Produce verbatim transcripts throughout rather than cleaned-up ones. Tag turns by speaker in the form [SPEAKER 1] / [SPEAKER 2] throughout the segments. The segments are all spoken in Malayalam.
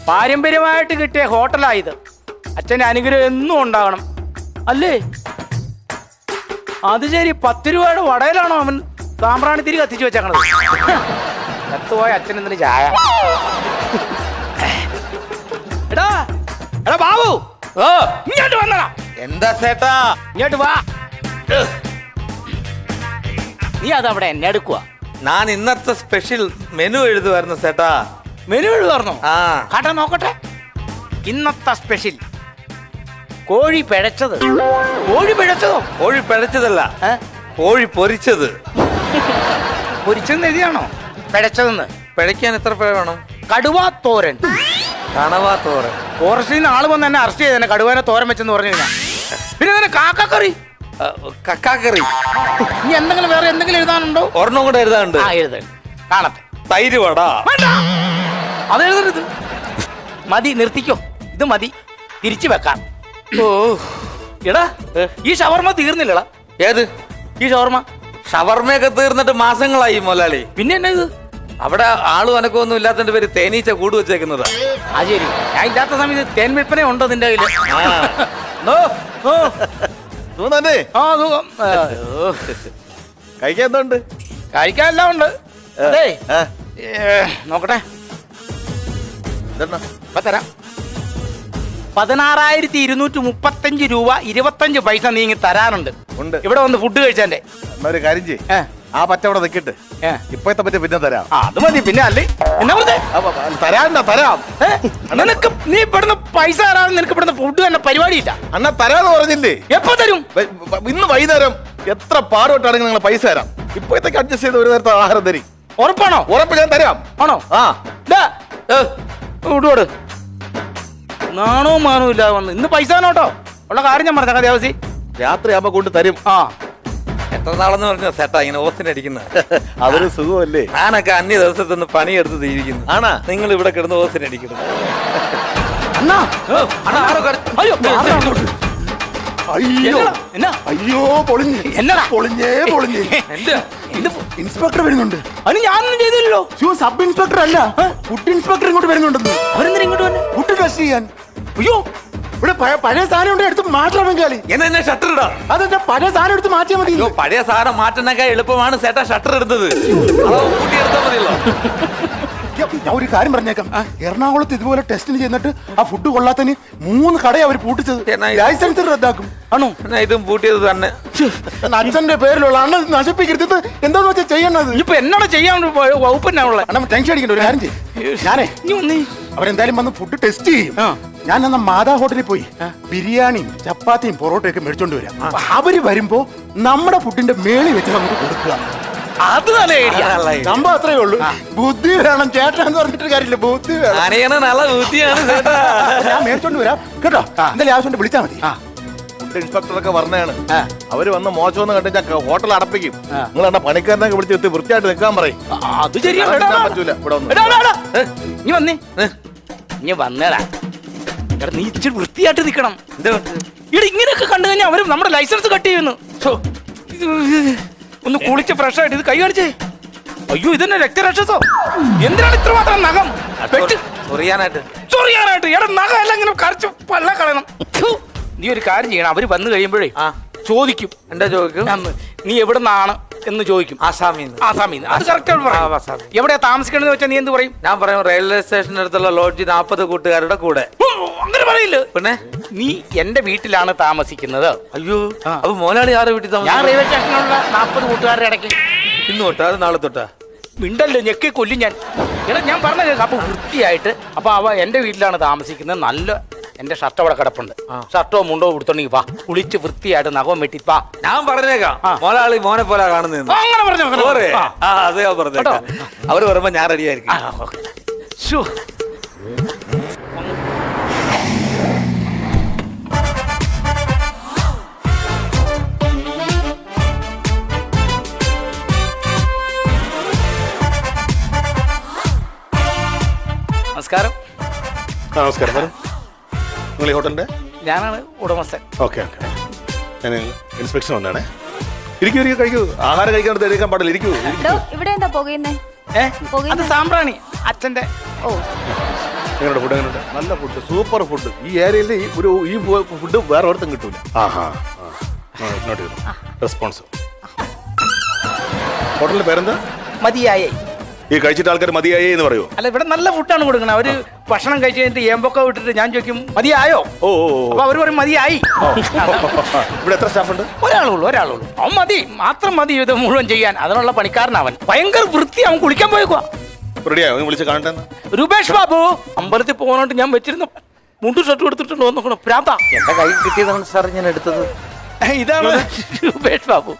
[SPEAKER 1] പാരമ്പര്യമായിട്ട് കിട്ടിയ ഹോട്ടലായത്. അച്ഛൻ്റെ അനുഗ്രഹം എന്നും ഉണ്ടാകണം അല്ലേ? അത് ശരി, പത്ത് രൂപയുടെ വടയിലാണോ അവൻ സാമ്പ്രാണി തിരി കത്തിച്ചു വെച്ചേക്കണത്? കത്തുപോയ അച്ഛൻ എന്തിനു ചായ? എടാ എടാ ബാബു, ഓ ഇങ്ങോട്ട് വന്നടാ.
[SPEAKER 2] എന്താ ചേട്ടാ?
[SPEAKER 1] ഇങ്ങോട്ട് വാ. നീ അതവിടെ എന്നെ എടുക്കുക.
[SPEAKER 2] ഞാൻ ഇന്നത്തെ സ്പെഷ്യൽ മെനു എഴുതുവായിരുന്നു ചേട്ടാ.
[SPEAKER 1] മെനു എഴുതുവായിരുന്നോ?
[SPEAKER 2] ആ
[SPEAKER 1] കാട്ടാ നോക്കട്ടെ. ഇന്നത്തെ സ്പെഷ്യൽ കോഴി പിഴച്ചത്. കോഴി പിഴച്ചതോ?
[SPEAKER 2] കോഴി പിഴച്ചതല്ല, കോഴി പൊരിച്ചത്.
[SPEAKER 1] പൊരിച്ചെന്ന് എഴുതിയാണോ പിഴച്ചതെന്ന്?
[SPEAKER 2] പിഴയ്ക്കാൻ എത്ര പിഴ വേണം?
[SPEAKER 1] കടുവാ തോരൻ.
[SPEAKER 2] കണവാ തോരൻ.
[SPEAKER 1] ഫോറസ്റ്റിൽ നിന്ന് ആള് വന്ന് എന്നെ അറസ്റ്റ് ചെയ്തന്നെ കടുവാനെ തോരൻ വെച്ചെന്ന് പറഞ്ഞു കഴിഞ്ഞാൽ. പിന്നെ തന്നെ കാക്കക്കറി,
[SPEAKER 2] കക്കാക്കറി.
[SPEAKER 1] ഇനി എന്തെങ്കിലും വേറെ എന്തെങ്കിലും എഴുതാനുണ്ടോ?
[SPEAKER 2] ഒരെണ്ണം കൂടെ എഴുതാനുണ്ട്.
[SPEAKER 1] ആ എഴുത. കാണട്ടെ.
[SPEAKER 2] തൈര് വട.
[SPEAKER 1] അത് എഴുതരുത്, മതി, നിർത്തിക്കോ. ഇത് മതി, തിരിച്ചു വെക്കാം.
[SPEAKER 2] ഓ
[SPEAKER 1] എടാ, ഈ ഷവർമ തീർന്നില്ലടാ.
[SPEAKER 2] ഏത്
[SPEAKER 1] ഈ ഷവർമ?
[SPEAKER 2] ഷവർമയൊക്കെ തീർന്നിട്ട് മാസങ്ങളായി മുതലാളി.
[SPEAKER 1] പിന്നെ എന്നാ ഇത്?
[SPEAKER 2] അവിടെ ആളും അനക്കൊന്നും ഇല്ലാത്തതിന്റെ പേര് തേനീച്ച കൂട് വെച്ചേക്കുന്നത്.
[SPEAKER 1] ആ ശരി, ഞാൻ ഇല്ലാത്ത സമയത്ത് തേൻ വിൽപ്പന ഉണ്ടോ നിന്റെ കയ്യില്? ആ സുഖം.
[SPEAKER 3] കഴിക്കാൻ എന്തുണ്ട്?
[SPEAKER 1] കഴിക്കാൻ എല്ലാം ഉണ്ട്. അതെ നോക്കട്ടെ, ഇപ്പൊ തരാം. പതിനാറായിരത്തി ഇരുന്നൂറ്റി മുപ്പത്തഞ്ച് രൂപ ഇരുപത്തഞ്ച് പൈസ നീങ്ങി തരാനുണ്ട്.
[SPEAKER 3] ഉണ്ട്.
[SPEAKER 1] ഇവിടെ വന്ന് ഫുഡ് കഴിച്ചെന്റെ.
[SPEAKER 3] ഒരു കാര്യം ചെയ്യ്, ആ പച്ചവട നിൽക്കിട്ട് ഇപ്പത്തെ പറ്റി പിന്നെ തരാം.
[SPEAKER 1] ആ അത് മതി. പിന്നെ അല്ലേ എന്നാ പറഞ്ഞേ?
[SPEAKER 3] തരാണ്ട തരാം.
[SPEAKER 1] നിനക്ക് നീ ഇവിടുന്ന് പൈസ തരാതെ നിനക്ക് ഇവിടുന്ന് ഫുഡ് തന്നെ പരിപാടിയില്ല.
[SPEAKER 3] അണ്ണാ തരാന്ന് പറഞ്ഞില്ലേ?
[SPEAKER 1] എപ്പോ തരും?
[SPEAKER 3] ഇന്ന് വൈകുന്നേരം എത്ര പാടുപെട്ടാണെങ്കിൽ നിങ്ങൾ പൈസ തരാം. ഇപ്പോഴത്തേക്ക് അഡ്ജസ്റ്റ് ചെയ്ത് ഒരു നേരത്തെ ആഹാരം തരും.
[SPEAKER 1] ഉറപ്പാണോ?
[SPEAKER 3] ഉറപ്പ്, ഞാൻ തരാം.
[SPEAKER 1] ആണോ?
[SPEAKER 3] ആ
[SPEAKER 1] വിടുവോട്. നാണോ മാനോ ഇല്ലാതെ വന്ന് ഇന്ന് പൈസ നോട്ടോ ഉള്ള കാര്യം ഞാൻ പറഞ്ഞ ദേവസി.
[SPEAKER 3] രാത്രി ആകുമ്പോ കൊണ്ട് തരും.
[SPEAKER 1] ആ
[SPEAKER 2] എത്ര നാളെന്ന് പറഞ്ഞ സെറ്റാ ഇങ്ങനെ ഓസിനടിക്കുന്നത്?
[SPEAKER 3] അതൊരു സുഖമല്ലേ?
[SPEAKER 2] ഞാനൊക്കെ അന്യ ദിവസത്തിൽ നിന്ന് പണിയെടുത്ത് തീരിക്കുന്നു.
[SPEAKER 3] ആണാ?
[SPEAKER 2] നിങ്ങൾ ഇവിടെ കിടന്ന് ഓസിനടിക്കുന്നത്.
[SPEAKER 1] അണ്ണാ, അയ്യോ
[SPEAKER 3] അയ്യോ
[SPEAKER 1] എന്നാ
[SPEAKER 3] അയ്യോ പൊളിഞ്ഞ്
[SPEAKER 1] എന്നടാ
[SPEAKER 3] പൊളിഞ്ഞേ പൊളിഞ്ഞ്. ഇൻസ്പെക്ടർ വരുന്നുണ്ട്.
[SPEAKER 1] അതിന് ഞാനൊന്നും ചെയ്തില്ലല്ലോ.
[SPEAKER 3] സബ് ഇൻസ്പെക്ടർ അല്ല, ഫുഡ് ഇൻസ്പെക്ടർ ഇങ്ങോട്ട് വരുന്നുണ്ടെന്ന്.
[SPEAKER 1] അവരെന്തിനാ ഇങ്ങോട്ട് വന്നെ?
[SPEAKER 3] ഫുഡ് ടെസ്റ്റ് ചെയ്യാൻ.
[SPEAKER 1] അയ്യോ
[SPEAKER 3] ഇവിടെ പഴയ സാധനം ഉണ്ട്, എടുത്ത് മാറ്റണം. ബംഗാളി
[SPEAKER 2] എന്നെ ഷട്ടർ ഇടാ.
[SPEAKER 3] അതെന്താ പഴയ സാധനം എടുത്ത് മാറ്റിയാൽ മതി.
[SPEAKER 2] അയ്യോ പഴയ സാധനം മാറ്റുന്നൊക്കെ എളുപ്പമാണ് ചേട്ടാ ഷട്ടർ എടുത്തത്. കൂട്ടിയെടുത്താൽ മതിയല്ലോ.
[SPEAKER 3] ഞാൻ ഒരു കാര്യം പറഞ്ഞേക്കാം, എറണാകുളത്ത് ഇതുപോലെ ടെസ്റ്റിന് ചെന്നിട്ട് ആ ഫുഡ് കൊള്ളാത്തതിന് മൂന്ന് കടയെ അവർ പൂട്ടിച്ചത്. ലൈസൻസ് റദ്ദാക്കും.
[SPEAKER 1] ആണോ?
[SPEAKER 2] ഇതും പൂട്ടിയത് തന്നെ.
[SPEAKER 3] അച്ഛന്റെ പേരിലുള്ള അണ്ണ നശിപ്പിക്കരുത്. എന്താന്ന് വെച്ചാൽ ചെയ്യണത്.
[SPEAKER 1] ഇപ്പൊ എന്നാണ് ചെയ്യാൻ വകുപ്പന്നാണുള്ള?
[SPEAKER 3] അണ്ണ ടെൻഷൻ അടിക്കണ്ട. ഒരു കാര്യം ചെയ്യും, ഞാനേ അവരെന്തായാലും വന്ന് ഫുഡ് ടെസ്റ്റ് ചെയ്യും. ഞാൻ എന്നാ മാതാ ഹോട്ടലിൽ പോയി ബിരിയാണിയും ചപ്പാത്തിയും പൊറോട്ടയൊക്കെ മേടിച്ചോണ്ട് വരാം. അവര് വരുമ്പോ നമ്മുടെ ഫുഡിന്റെ മേളിൽ വെച്ച് നമുക്ക് കൊടുക്കുക.
[SPEAKER 1] അത് നല്ല ഐഡിയ.
[SPEAKER 3] സംഭവം അത്രേ ഉള്ളൂ. ബുദ്ധി വേണം ചേട്ടാന്ന് പറഞ്ഞിട്ട് കാര്യമില്ല, ബുദ്ധി വേണം.
[SPEAKER 2] നല്ല ബുദ്ധിയാണ് ചേട്ടാ.
[SPEAKER 3] ഞാൻ മേടിച്ചോണ്ട് വരാം കേട്ടോ. എന്തായാലും ആവശ്യം വിളിച്ചാൽ മതി. ഫുഡ് ഇൻസ്പെക്ടറൊക്കെ പറഞ്ഞാണ്, അവര് വന്ന് മോശമെന്ന് കണ്ട് ഞാൻ ഹോട്ടൽ അടപ്പിക്കും. നിങ്ങൾ എന്നെ പണിക്കാരനൊക്കെ വിളിച്ച് എത്തി വൃത്തിയായിട്ട് നിൽക്കാൻ പറയും.
[SPEAKER 1] അത് ശരിയാണ്.
[SPEAKER 3] പറ്റൂല. ഇവിടെ
[SPEAKER 1] നീ വന്നേ, നീ വന്നേടാ. എടാ നീ ഇച്ചിരി വൃത്തിയായിട്ട് നിൽക്കണം. ഇവിടെ ഇങ്ങനെയൊക്കെ കണ്ടു കഴിഞ്ഞാൽ അവര് നമ്മുടെ ലൈസൻസ് കട്ട് ചെയ്യുന്നു. ഒന്ന് കുളിച്ച് ഫ്രഷ് ആയിട്ട് ഇത് കൈ കാണിച്ചേ. അയ്യോ ഇതന്നെ രക്തരക്ഷസോ? എന്തിനാണ് ഇത്ര മാത്രം നഖം?
[SPEAKER 2] ചൊറിയാനായിട്ട്.
[SPEAKER 1] ചൊറിയാനായിട്ട്? എടാ നഖം എല്ലാം ഇങ്ങനെ കരച്ച് പള്ള കളയണം. നീ ഒരു കാര്യം ചെയ്യണം, അവര് വന്നു കഴിയുമ്പോഴേ ചോദിക്കും.
[SPEAKER 2] എന്താ ചോദിക്കും?
[SPEAKER 1] നീ എവിടെ നിന്നാണ് എന്ന് ചോദിക്കും.
[SPEAKER 2] ആസാമിന്ന്.
[SPEAKER 1] ആസാമിന്ന്. അത് കറക്റ്റ്. എവിടെയാ താമസിക്കണമെന്ന് വെച്ചാൽ നീ എന്ത് പറയും?
[SPEAKER 2] ഞാൻ പറയും റെയിൽവേ സ്റ്റേഷന്റെ അടുത്തുള്ള ലോഡ്ജ് നാപ്പത് കൂട്ടുകാരുടെ കൂടെ.
[SPEAKER 1] അങ്ങനെ പറയില്ല.
[SPEAKER 2] പിന്നെ
[SPEAKER 1] നീ എന്റെ വീട്ടിലാണ് താമസിക്കുന്നത്.
[SPEAKER 2] അയ്യോ അപ്പൊ മോലാളി ആരുടെ വീട്ടിൽ താമസിക്കും?
[SPEAKER 1] ഞാൻ റെയിൽവേ സ്റ്റേഷനിലുള്ള നാപ്പത് കൂട്ടുകാരുടെ ഇടയ്ക്ക്.
[SPEAKER 2] ഇന്ന് തൊട്ടാ അത് നാളെ തൊട്ടാ?
[SPEAKER 1] മിണ്ടല്ലോ, ഞെക്കി കൊല്ലും ഞാൻ. എടാ ഞാൻ പറഞ്ഞ കേൾക്കാം. അപ്പൊ വൃത്തിയായിട്ട് അപ്പൊ അവ എന്റെ വീട്ടിലാണ് താമസിക്കുന്നത്. നല്ല എന്റെ ഷർട്ട് അവിടെ കിടപ്പുണ്ട്. ഷർട്ടോ മുണ്ടോ കൊടുത്തോണ്ടെങ്കിൽ വാ, കുളിച്ച് വൃത്തിയായിട്ട് നഖം വെട്ടിപ്പാ.
[SPEAKER 2] ഞാൻ പറഞ്ഞേക്കാം മോലാളി മോനെ പോലെ കാണുന്നത്.
[SPEAKER 1] അങ്ങനെ പറഞ്ഞു
[SPEAKER 2] അത് ഞാൻ പറഞ്ഞേക്കാം. അവര് പറയുമ്പോ ഞാൻ റെഡിയായിരിക്കും.
[SPEAKER 1] നമസ്കാരം.
[SPEAKER 3] നമസ്കാരം. നിങ്ങൾ ഈ ഹോട്ടലിന്റെ?
[SPEAKER 1] ഞാനാണ് ഉടമസ്ഥൻ.
[SPEAKER 3] Okay okay. ഞാൻ ഇൻസ്പെക്ഷൻ വന്നാണേ. ഇരിക്കൂ ഇരിക്കൂ, കഴിക്കൂ. ആഹാരം കഴിക്കാൻ എടുക്കാൻ പാടില്ല. ഇരിക്കൂ.
[SPEAKER 4] ഇവിടെ എന്താ പുകയുന്നേ?
[SPEAKER 1] അത് സാമ്പ്രാണി അച്ഛന്റെ.
[SPEAKER 4] ഓ നിങ്ങളുടെ ഫുഡ് എങ്ങനെയുണ്ട്?
[SPEAKER 5] നല്ല ഫുഡ്, സൂപ്പർ ഫുഡ്. ഈ ഏരിയയിൽ ഈ ഒരു ഈ ഫുഡ് വേറെ ഒരിടത്തും കിട്ടൂല.
[SPEAKER 4] ആഹാ നോട്ട് ചെയ്തു. റെസ്പോൺസ്. ഹോട്ടലിന്റെ പേരെന്താ?
[SPEAKER 1] മതിയായേ.
[SPEAKER 4] ഈ കഴിച്ചിട്ട് ആൾക്കാർ മതിയായേ എന്ന് പറയുമോ?
[SPEAKER 1] അല്ല, ഇവിടെ നല്ല ഫുഡാണ് കൊടുക്കുന്നത്. അവര് ഭക്ഷണം കഴിച്ച് കഴിഞ്ഞിട്ട് ഏമ്പൊക്കെ വിട്ടിട്ട് ഞാൻ ചോദിക്കും മതിയായോ?
[SPEAKER 4] ഓ ഓ ഓ.
[SPEAKER 1] അപ്പൊ അവര് പറയും മതിയായി.
[SPEAKER 4] ഇവിടെ എത്ര സ്റ്റാഫ് ഉണ്ട്?
[SPEAKER 1] ഒരാളുള്ളൂ ഒരാളുള്ളൂ അവൻ മതി, മാത്രം മതി ഇത് മുഴുവൻ ചെയ്യാൻ. അതിനുള്ള പണിക്കാരനവൻ. ഭയങ്കര വൃത്തി. അവൻ കുളിക്കാൻ പോയേക്കുവാ.
[SPEAKER 4] റെഡിയായോ? വിളിച്ച് കാണട്ടെ.
[SPEAKER 1] രൂപേഷ് ബാബു അമ്പലത്തിൽ പോകാനായിട്ട് ഞാൻ വെച്ചിരുന്ന മുണ്ടു ഷർട്ട് എടുത്തിട്ടുണ്ട് വന്നോക്കണം. പ്രാന്ത
[SPEAKER 2] എന്റെ കൈ കിട്ടിയതാണ് സാർ ഞാൻ എടുത്തത്.
[SPEAKER 1] ഇതാണ് രൂപേഷ് ബാബു.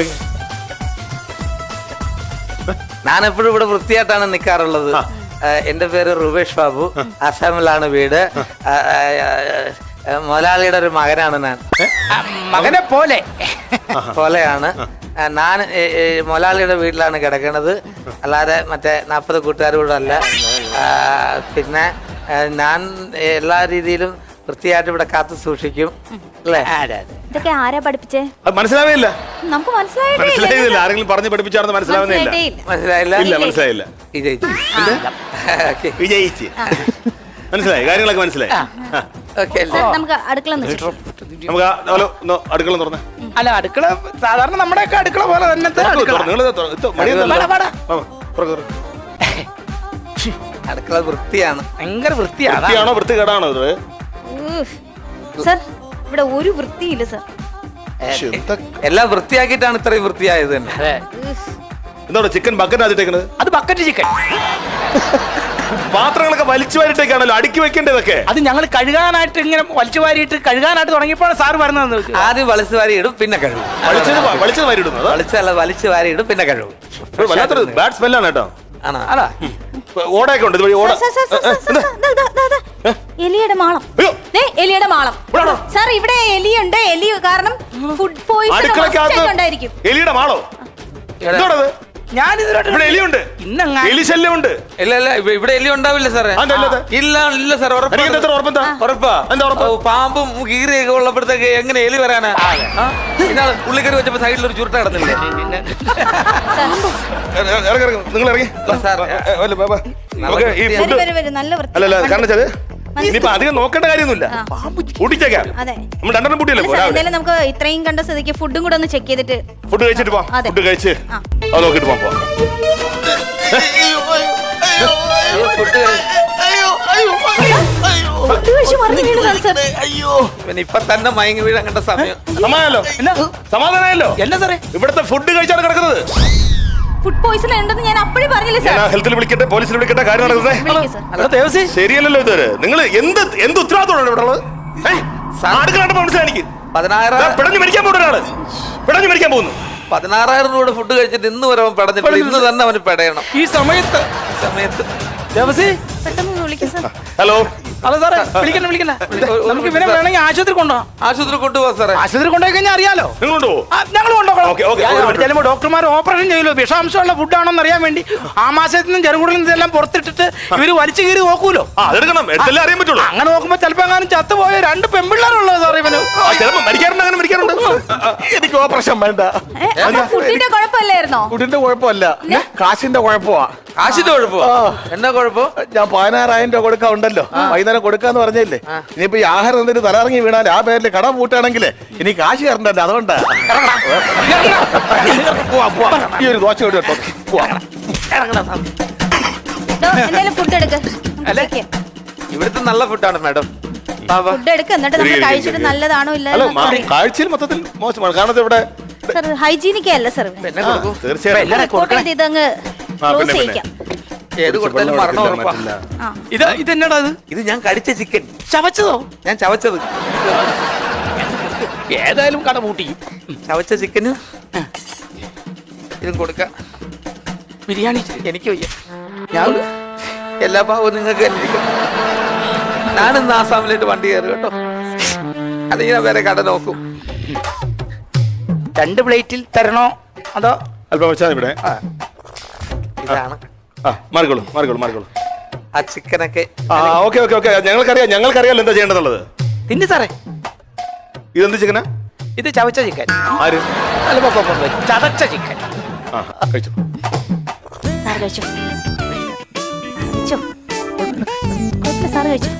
[SPEAKER 2] ഞാൻ എപ്പോഴും ഇവിടെ വൃത്തിയായിട്ടാണ് നിൽക്കാറുള്ളത്. എന്റെ പേര് റുബേഷ് ബാബു. അസാമിലാണ് വീട്. മുതലാളിയുടെ ഒരു മകനാണ് ഞാൻ.
[SPEAKER 1] മകനെ പോലെ
[SPEAKER 2] പോലെയാണ് ഞാൻ. മുതലാളിയുടെ വീട്ടിലാണ് കിടക്കുന്നത്, അല്ലാതെ മറ്റേ നാൽപ്പത് കൂട്ടുകാരോടും അല്ല. പിന്നെ ഞാൻ എല്ലാ രീതിയിലും വൃത്തിയായിട്ട് ഇവിടെ കാത്തു സൂക്ഷിക്കും അല്ലേ?
[SPEAKER 6] ഇതൊക്കെ ആരാ പഠിപ്പിച്ചേ?
[SPEAKER 4] മനസ്സിലാവേയില്ല.
[SPEAKER 6] നമുക്ക്
[SPEAKER 4] മനസ്സിലായില്ല. ആരെങ്കിലും പറഞ്ഞു പഠിപ്പിച്ചാണെന്ന് മനസ്സിലാവുന്നില്ല.
[SPEAKER 2] മനസ്സിലായില്ല?
[SPEAKER 4] ഇല്ല, മനസ്സിലായില്ല.
[SPEAKER 2] വിജയിച്ചു.
[SPEAKER 4] വിജയിച്ച് മനസ്സിലായി. കാര്യങ്ങളൊക്കെ മനസ്സിലായി.
[SPEAKER 6] നമുക്ക് അടുക്കള
[SPEAKER 4] നമുക്ക് അടുക്കള തുറന്നേ.
[SPEAKER 1] അല്ല, അടുക്കള സാധാരണ നമ്മുടെയൊക്കെ അടുക്കള പോലെ തന്നെ.
[SPEAKER 2] അടുക്കള വൃത്തിയാണ്.
[SPEAKER 1] ഭയങ്കര വൃത്തിയാണ്.
[SPEAKER 4] വൃത്തിയാണോ വൃത്തികേടാണോ ഇത്?
[SPEAKER 6] സർ, ഇവിടെ ഒരു വൃത്തിയില്ല സർ.
[SPEAKER 2] എല്ലാം വൃത്തിയാക്കിയിട്ടാണ് ഇത്രയും വൃത്തിയായത് തന്നെ.
[SPEAKER 4] എന്താ ചിക്കൻ ബക്കറ്റ് ആദ്യത്തേക്കണത്?
[SPEAKER 1] അത് ബക്കറ്റ് ചിക്കൻ.
[SPEAKER 4] പാത്രങ്ങളൊക്കെ വലിച്ചു വാരിട്ടേക്കാണല്ലോ അടുക്കി വെക്കേണ്ടതൊക്കെ.
[SPEAKER 1] അത് ഞങ്ങൾ കഴുകാനായിട്ട് ഇങ്ങനെ വലിച്ചു വാരിയിട്ട് കഴുകാനായിട്ട് തുടങ്ങിയപ്പോഴാണ് സാറ് വരുന്നത്.
[SPEAKER 2] ആദ്യം വലിച്ചു വാരി ഇടും, പിന്നെ കഴുകും.
[SPEAKER 4] വലിച്ചത് വാരി ഇടുന്നു.
[SPEAKER 2] വലിച്ചല്ല, വലിച്ചു വാരി ഇടും, പിന്നെ കഴുകും.
[SPEAKER 4] വല്ലാത്തൊരു ബാഡ് സ്മെല്ലാണ് കേട്ടോ.
[SPEAKER 2] ആണോ?
[SPEAKER 1] അതാ
[SPEAKER 4] ഓടയൊക്കെ ഉണ്ട് ഇതുവഴി. ഓട
[SPEAKER 6] എലിയുടെ മാളം. എലിയുടെ മാളം സാർ. ഇവിടെ എലിയുണ്ട്. എലി കാരണം ഫുഡ് പോയിസൺ ഉണ്ടായിരിക്കും.
[SPEAKER 4] എലിയുടെ മാളോ? എന്തോടത്?
[SPEAKER 1] ഞാൻ
[SPEAKER 4] ഇവിടെ എലിയുണ്ട്. എലി ശല്യമുണ്ട്.
[SPEAKER 2] ഇല്ല ഇല്ല, ഇവിടെ എലി ഉണ്ടാവില്ല സാറേ. ഇല്ല ഇല്ല സാർ, ഉറപ്പാ. പാമ്പും കീറിയൊക്കെ ഉള്ളപ്പോഴത്തേക്ക് എങ്ങനെ എലി വരാനാ? ഇന്നാള് പുള്ളിക്കറി വെച്ചപ്പോ സൈഡിൽ ഒരു ചുരുട്ട കിടന്നില്ലേ?
[SPEAKER 4] നിങ്ങൾ ഇറങ്ങി.
[SPEAKER 6] നല്ല വൃത്തി.
[SPEAKER 4] അല്ലല്ല, കാരണം വെച്ചാൽ ഇനിയിപ്പോ അധികം നോക്കേണ്ട കാര്യമൊന്നുമില്ല. കൂട്ടിച്ചേക്കാം. നമ്മൾ രണ്ടെണ്ണം കൂട്ടിയല്ലേ.
[SPEAKER 6] നമുക്ക് ഇത്രയും കണ്ട സ്ഥിതിക്ക് ഫുഡും കൂടെ ഒന്ന് ചെക്ക് ചെയ്തിട്ട്
[SPEAKER 4] ഫുഡ് കഴിച്ചിട്ട് പോവാം. ഫുഡ് കഴിച്ച് അത് നോക്കിട്ട് പോവാം.
[SPEAKER 2] ഇപ്പൊ തന്നെ മയങ്ങി വീഴാൻ കണ്ട സമയം.
[SPEAKER 4] സമാധാനല്ലോ സമാധാനമല്ലോ.
[SPEAKER 1] എന്നാ സാറേ
[SPEAKER 4] ഇവിടുത്തെ ഫുഡ് കഴിച്ചാണ് കിടക്കുന്നത്.
[SPEAKER 6] ഫുഡ് പോയിസൺ ഉണ്ടെന്ന് ഞാൻ അപ്പോഴേ പറഞ്ഞില്ലേ സാർ?
[SPEAKER 4] ഹെൽത്തിൽ വിളിക്കട്ടെ, പോലീസിൽ വിളിക്കട്ടെ. കാര്യം നടക്കുന്നത് ശരിയല്ലല്ലോ ഇതുവരെ. നിങ്ങൾ എന്ത് എന്ത് ഉത്തരവാദിത്തമാണ് ഇവിടെ ഉള്ളത്? അടുക്കളാണ്ട് മനസ്സിലാക്കി
[SPEAKER 2] പതിനായിരം
[SPEAKER 4] പിടഞ്ഞു മരിക്കാൻ പോകുന്ന ഒരാള് പിടഞ്ഞു മരിക്കാൻ പോകുന്നു.
[SPEAKER 2] പതിനാറായിരം രൂപ ഫുഡ് കഴിച്ചിട്ട് ഇന്ന് വരെ അവൻ പെടഞ്ഞിട്ട് ഇന്ന് തന്നെ അവന് പെടയണം.
[SPEAKER 1] ഈ സമയത്ത്
[SPEAKER 2] സമയത്ത്
[SPEAKER 6] പെട്ടെന്ന് വിളിക്കും സാർ.
[SPEAKER 4] ഹലോ.
[SPEAKER 1] അല്ല സാറേ, വിളിക്കണ്ട വിളിക്കണ്ട. നമുക്ക് ഇവനെ വേണമെങ്കിൽ ആശുപത്രി കൊണ്ടുപോകാം.
[SPEAKER 2] ആശുപത്രി കൊണ്ടുപോകാം സാറേ.
[SPEAKER 1] ആശുപത്രി കൊണ്ടുപോയി കഴിഞ്ഞാൽ അറിയാലോ.
[SPEAKER 4] നിങ്ങൾ കൊണ്ടുപോകും.
[SPEAKER 1] ഞങ്ങൾ കൊണ്ടുപോകണം. ചിലപ്പോൾ ഡോക്ടർമാർ ഓപ്പറേഷൻ ചെയ്യലോ വിഷാംശമുള്ള ഫുഡാണോന്ന് അറിയാൻ വേണ്ടി ആ മാസത്തിൽ നിന്നും ചെറുകുടിൽ നിന്നും ഇതെല്ലാം പുറത്തിട്ടിട്ട് ഇവര് വലിച്ചു കീറി നോക്കൂലോ.
[SPEAKER 4] അതെടുക്കണം, എടുത്തല്ലേ അറിയാൻ പറ്റുള്ളൂ.
[SPEAKER 1] അങ്ങനെ നോക്കുമ്പോ ചിലപ്പോ എങ്ങാനും ചത്തുപോയ രണ്ട് പെൺപിള്ളേരുള്ളത് സാർ ഇവന്.
[SPEAKER 4] ചിലപ്പോ മരിക്കാറുണ്ട്, അങ്ങനെ മരിക്കാറുണ്ട്.
[SPEAKER 5] എനിക്ക് ഓപ്പറേഷൻ വേണ്ട.
[SPEAKER 6] ഫുഡിന്റെ കുഴപ്പമില്ലായിരുന്നോ?
[SPEAKER 5] ഫുഡിന്റെ കുഴപ്പമല്ല, കാശിന്റെ കുഴപ്പമാ.
[SPEAKER 2] കാശിന്റെ കുഴപ്പമോ? എന്നാ കുഴപ്പം?
[SPEAKER 5] ഞാൻ പതിനാറായിരം രൂപ കൊടുക്കാൻ ഉണ്ടല്ലോ, വൈകുന്നേരം കൊടുക്കാന്ന് പറഞ്ഞില്ലേ. ഇനിയിപ്പോ ഈ ആഹാരം എന്തിനു തലയിറങ്ങി വീണാൽ ആ പേരിൽ കട പൂട്ടാണെങ്കിൽ ഇനി കാശ് കയറണ്ടല്ലോ. അതുകൊണ്ടാ ഈ ഒരു ദോശ കേട്ടോ.
[SPEAKER 6] ഫുഡ് എടുക്ക.
[SPEAKER 2] ഇവിടുത്തെ നല്ല ഫുഡാണ് മാഡം.
[SPEAKER 6] ഫുഡ് എടുക്ക, എന്നിട്ട് നമ്മൾ കഴിച്ചിട്ട് നല്ലതാണോ ഇല്ലല്ലോ.
[SPEAKER 4] കാഴ്ചയിൽ മൊത്തത്തിൽ മോശമാണ്. കാരണം ഇവിടെ
[SPEAKER 6] ഹൈജീനിക് അല്ല സാർ.
[SPEAKER 4] തീർച്ചയായും
[SPEAKER 6] ഇതങ്ങ് ക്ലോസ് ചെയ്യിക്കാം.
[SPEAKER 2] ഏത് കൊടുത്താലും മരണം ഉറപ്പാ.
[SPEAKER 1] ഇത് ഇതെന്നടാ ഇത്?
[SPEAKER 2] ഇത് ഞാൻ കടിച്ച ചിക്കൻ.
[SPEAKER 1] ചവച്ചതോ?
[SPEAKER 2] ഞാൻ ചവച്ചത്.
[SPEAKER 1] ഏതായാലും കട പൂട്ടി.
[SPEAKER 2] ചവച്ച ചിക്കന് ഇതും കൊടുക്കാം.
[SPEAKER 1] ബിരിയാണി
[SPEAKER 2] എനിക്ക് വയ്യ. ഞാൻ എല്ലാ ഭാവവും നിങ്ങൾക്ക് അന്വേഷിക്കും. ഞാനിന്ന് ആസാമിലേക്ക് വണ്ടി കയറി കേട്ടോ. അല്ലെങ്കിൽ ഞാൻ വേറെ കട നോക്കും.
[SPEAKER 1] രണ്ട് പ്ലേറ്റിൽ തരണോ അതോ?
[SPEAKER 4] അല്പം വെച്ചാൽ ഇവിടെ.
[SPEAKER 2] ഇതാണ്.
[SPEAKER 4] മാറിക്കോളൂ മാറിക്കോളൂ മാറിക്കോളൂ.
[SPEAKER 2] ആ ചിക്കനൊക്കെ
[SPEAKER 4] ഓക്കെ ഓക്കെ ഓക്കെ. ഞങ്ങൾക്കറിയാം ഞങ്ങൾക്കറിയാലോ എന്താ ചെയ്യേണ്ടതുള്ളത്.
[SPEAKER 1] തിന്നു സാറേ.
[SPEAKER 4] ഇതെന്ത് ചിക്കനാ?
[SPEAKER 1] ഇത് ചവച്ച ചിക്കൻ.
[SPEAKER 4] ആര്?
[SPEAKER 1] ചതച്ച ചിക്കൻ.
[SPEAKER 4] കഴിച്ചു
[SPEAKER 6] സാർ കഴിച്ചു. കഴിച്ചോ. കുഴപ്പമില്ല, സാറ് കഴിച്ചു.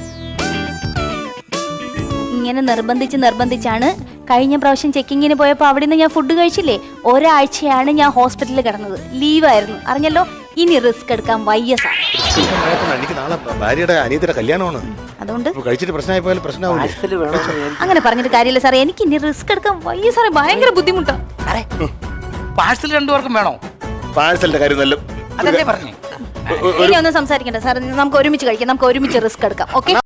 [SPEAKER 6] ഇങ്ങനെ നിർബന്ധിച്ച് നിർബന്ധിച്ചാണ് കഴിഞ്ഞ പ്രാവശ്യം ചെക്കിങ്ങിന് പോയപ്പോൾ അവിടെ നിന്ന് ഞാൻ ഫുഡ് കഴിച്ചില്ലേ, ഒരാഴ്ചയാണ് ഞാൻ ഹോസ്പിറ്റലിൽ കിടന്നത്, ലീവായിരുന്നു, അറിഞ്ഞല്ലോ. ഇനി റിസ്ക് എടുക്കാൻ വയ്യ സാർ.
[SPEAKER 3] എനിക്ക് നാളെ ഭാര്യയുടെ അനിയത്തിയുടെ കല്യാണമാണ്,
[SPEAKER 6] അതുകൊണ്ട്
[SPEAKER 3] ഇപ്പൊ കഴിച്ചിട്ട് പ്രശ്നമായി പോയാൽ പ്രശ്നമാവില്ല.
[SPEAKER 6] അങ്ങനെ പറഞ്ഞിട്ട് കാര്യമില്ല സാറേ, എനിക്ക് ഇനി റിസ്ക് എടുക്കാൻ വയ്യ സാറേ, ഭയങ്കര ബുദ്ധിമുട്ടാണ്.
[SPEAKER 1] പാഴ്സൽ രണ്ടുപേർക്കും വേണോ?
[SPEAKER 3] പാഴ്സലിന്റെ കാര്യം നല്ല
[SPEAKER 1] അതല്ലേ പറഞ്ഞേ.
[SPEAKER 6] ഇനി ഒന്നും സംസാരിക്കണ്ട സാർ, നമുക്ക് ഒരുമിച്ച് കഴിക്കാം, നമുക്ക് ഒരുമിച്ച് റിസ്ക് എടുക്കാം. ഓക്കെ.